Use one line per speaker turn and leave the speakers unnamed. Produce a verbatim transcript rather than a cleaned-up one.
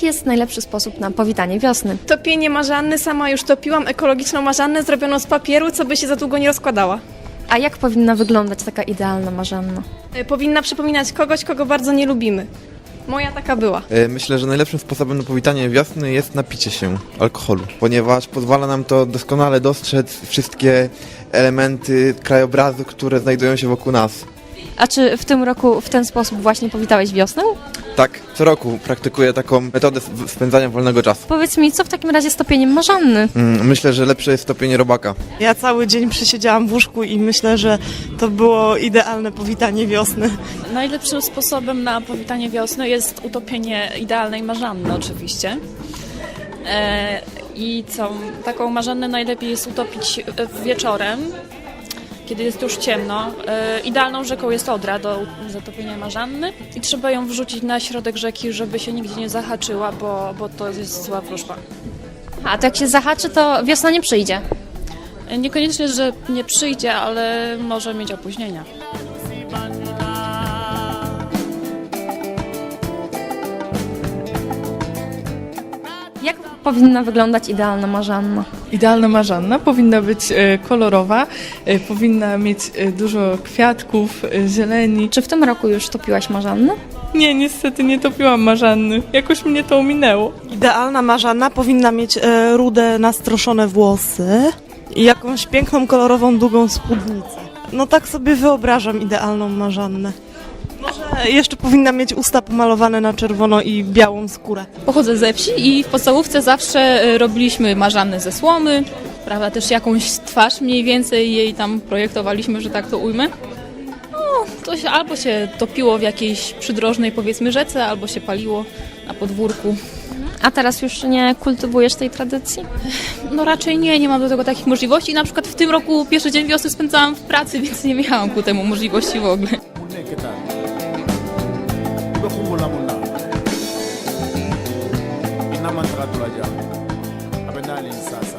jaki jest najlepszy sposób na powitanie wiosny?
Topienie marzanny, sama już topiłam ekologiczną marzannę zrobioną z papieru, co by się za długo nie rozkładała.
A jak powinna wyglądać taka idealna marzanna?
E, Powinna przypominać kogoś, kogo bardzo nie lubimy. Moja taka była.
E, Myślę, że najlepszym sposobem na powitanie wiosny jest napicie się alkoholu, ponieważ pozwala nam to doskonale dostrzec wszystkie elementy krajobrazu, które znajdują się wokół nas.
A czy w tym roku w ten sposób właśnie powitałeś wiosnę?
Tak, co roku praktykuję taką metodę sp- spędzania wolnego czasu.
Powiedz mi, co w takim razie z topieniem marzanny?
Mm, Myślę, że lepsze jest topienie robaka.
Ja cały dzień przesiedziałam w łóżku i myślę, że to było idealne powitanie wiosny.
Najlepszym sposobem na powitanie wiosny jest utopienie idealnej marzanny oczywiście. E, I co, taką marzannę najlepiej jest utopić e, wieczorem, kiedy jest już ciemno. E, idealną rzeką jest Odra do zatopienia marzanny i trzeba ją wrzucić na środek rzeki, żeby się nigdzie nie zahaczyła, bo, bo to jest zła wróżba.
A to jak się zahaczy, to wiosna nie przyjdzie.
E, Niekoniecznie, że nie przyjdzie, ale może mieć opóźnienia.
Jak powinna wyglądać idealna marzanna?
Idealna marzanna powinna być e, kolorowa, e, powinna mieć e, dużo kwiatków, e, zieleni.
Czy w tym roku już topiłaś marzannę?
Nie, niestety nie topiłam marzanny. Jakoś mnie to ominęło.
Idealna marzanna powinna mieć e, rude, nastroszone włosy i jakąś piękną, kolorową, długą spódnicę. No tak sobie wyobrażam idealną marzannę. Może jeszcze powinna mieć usta pomalowane na czerwono i białą skórę.
Pochodzę ze wsi i w podstawówce zawsze e, robiliśmy marzanny ze słomy, prawda, też jakąś twarz mniej więcej jej tam projektowaliśmy, że tak to ujmę. No, to się albo się topiło w jakiejś przydrożnej, powiedzmy, rzece, albo się paliło na podwórku.
A teraz już nie kultywujesz tej tradycji?
No raczej nie, nie mam do tego takich możliwości. Na przykład w tym roku pierwszy dzień wiosny spędzałam w pracy, więc nie miałam ku temu możliwości w ogóle.
Ibe kumbula munda. Ina mantra tulaja. Abenali sas.